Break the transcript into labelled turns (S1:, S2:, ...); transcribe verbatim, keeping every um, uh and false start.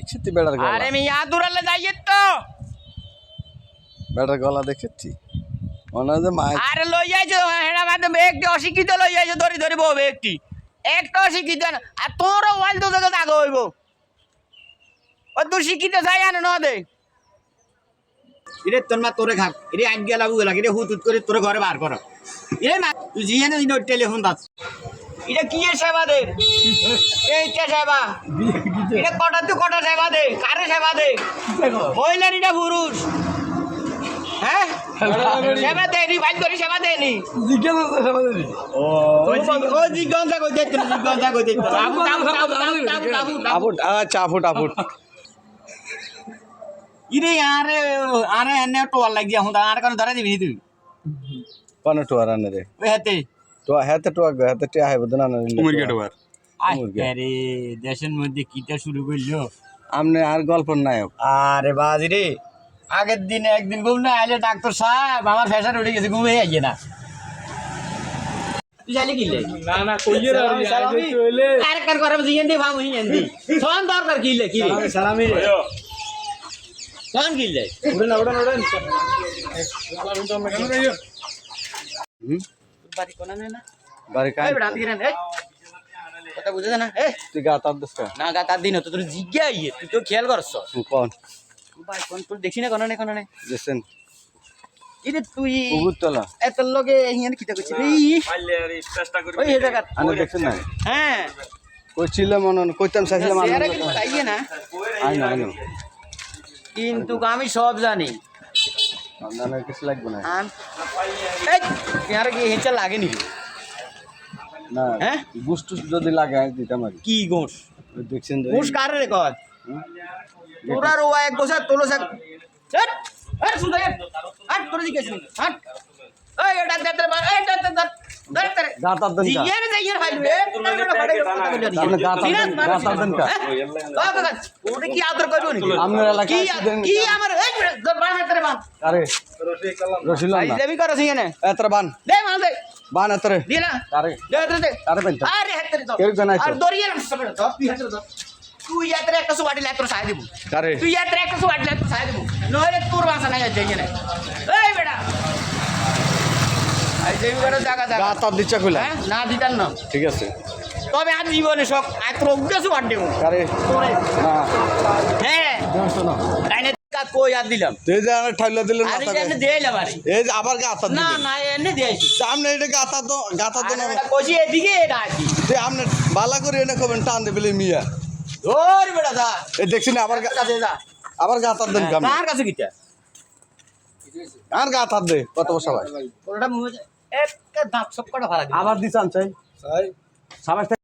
S1: দেখছি তুই বেড়ার গলা
S2: আরে আমি ইয়া দূরালে যাইয়ে তো
S1: বেড়ার গলা দেখেছি মনে হয় যে মাছ
S2: আরে লই যাইছো হেডা মাঝে একটি অশিক্ষিত লই যাইছো ধরি ধরি বউ একটি একটা অশিক্ষিত না আর তোরও ওয়াল তো জায়গা দাগ হইব ও তুই শিক্ষিত চাই আনে ন দে
S3: ইরে তোর মা তোরে খাক ইরে আগ গেলা বুগলা ইরে হুত হুত করে তোরে ঘরে বার কর ইরে মা তুই জিয়ে না ইনো টেলিফোন দাস
S2: এটা কি এর সেবা দে এইটা সেবা এটা কটা তুই কটা সেবা দে কারে সেবা দে মহিলা নিটা পুরুষ হ্যাঁ সেবা দেনি ভাই করি সেবা দেনি
S3: ও ও জিজ্ঞাসা কই দে তুই জিজ্ঞাসা কই দে
S2: আবু আবু আবু আবু আবু
S1: আফুট আচ্ছা আফুট আফুট
S3: ইরে আরে আরে এনে টোয়াল লাগিয়া হুঁ আর কোন ধরে দিবি তুই
S1: কোন টুয়ার আনে রে
S3: ওই হাতে
S1: তো হাতে টুয়া হাতে টিয়া হয় বদনা না
S4: মুরগি টোয়ার
S3: আরে দেশের মধ্যে কিটা শুরু করলো
S1: আমনে আর গল্প নায়ক
S3: আরে বাজি রে আগের দিন একদিন ঘুম না আইলে ডাক্তার সাহেব আমার ফ্যাশন উঠে গেছে ঘুমে আইয়ে না তুই জানি কি
S4: না না কইয়ে রে
S3: আর কার করে জিয়েন দি ভাম হিয়েন দি সোন দরকার কি লে কি রে সালামি রে সোন কি লে
S4: উড়েন উড়েন উড়েন
S1: হুম
S2: বাড়ি কোনা না
S1: বাড়ি কাই
S2: এই বেড়া দিরেন এই কথা বুঝছ না এ
S1: তুই গা তার দস্ত
S2: না গা তার দিন তো তোর জিজ্ঞা আইয়ে তুই তো খেয়াল করছ
S1: কোন
S2: ভাই কোন তোর দেখি না কোন না কোন না
S1: জেসেন
S2: ইরে তুই
S1: উগুতলা
S2: এত লগে হিয়ান কিটা কইছিস রে
S4: চেষ্টা করি
S2: ওই জায়গা
S1: আনে দেখছেন না
S2: হ্যাঁ
S1: কইছিল মনন কইতাম চাইছিলাম আমি
S2: চেহারা কিন্তু তাইয়ে না
S1: আই না আই না
S2: কিন্তু আমি সব জানি
S1: আপনার কিছু লাগবে না
S2: আম এই চেহারা কি হেঁচা লাগে নি
S1: না
S2: হ্যাঁ?
S1: গুস্টু যদি লাগে আমি দিতাম আর
S2: কি গোস
S1: ওই দেখছেন তো
S2: গোস কারে রে কয় তোরা রোয়া এক গোসা তোলো সাক হট হট সুদা হট তোর দিকে শুন হট এই এটা দে দে এই এটা দে দে দে দে
S1: গাতার দেন কা
S2: জিয়ারে যাইয়ার ফাইলবে তোরা কথা বলি
S1: আপনি গাতার দেন গাতার দেন কা
S2: বাবা ওটা কি আদর করব নি
S1: আপনার
S2: কি
S1: এলাকায় দেন
S2: কি আমার এই বান হাতে বান
S1: আরে রসিলাম
S2: আই
S1: না
S2: দেবি করছ এখানে
S1: এতরে বান
S2: দে মাল দে
S1: বান এতরে
S2: দি না
S1: আরে
S2: দে দে দে
S1: আরে পেন
S2: আরে হাতে দে
S1: কেউ জানাইছো?
S2: আর দরিয়ে না সব তো তুই হাতে দে তুই ইয়াত্রে একটা সুবাড়ি লাইত্র সাই দেব
S1: আরে
S2: তুই ইয়াত্রে একটা সুবাড়ি লাইত্র সাই দেব নইলে তোর বাসা নাই যাই এখানে এই বেটা আই দেবি করে জায়গা জায়গা
S1: গাতার দিচ্ছা কইলা
S2: হ্যাঁ না দিতাম না
S1: ঠিক আছে
S2: তবে আজ জীবনে সব আত্র উদ্দেশ্য বাদ দেব
S1: আরে
S2: তোরে
S1: না
S2: হ্যাঁ
S1: দেখছ না
S2: কাইনে কা কই আর দিলাম
S1: তুই যে আর ঠাইলা দিলেন
S2: আরে
S1: মাথা
S2: এনে দেইলাম আরে
S1: এই যে আবার গাতার
S2: না
S1: দিলেন
S2: না এনে দেইছি
S1: সামনে এটা গাতা তো গাতা তো না
S2: আরে কইছি এদিকে এটা আছি
S1: তুই আমনে বালা করে এনে কবেন টান দেবেলে মিয়া
S2: ওর বেটা দা
S1: এই দেখছিস আবার গা-
S2: কাছে যা
S1: আবার গাতার দেন কাম
S2: কার কাছে গিটা
S1: আর গাতার দে কত বছর ভাই
S2: ওটা মুহে একটা দাঁত সব কটা ভাড়া
S1: আবার দিছান চাই চাই সাবাস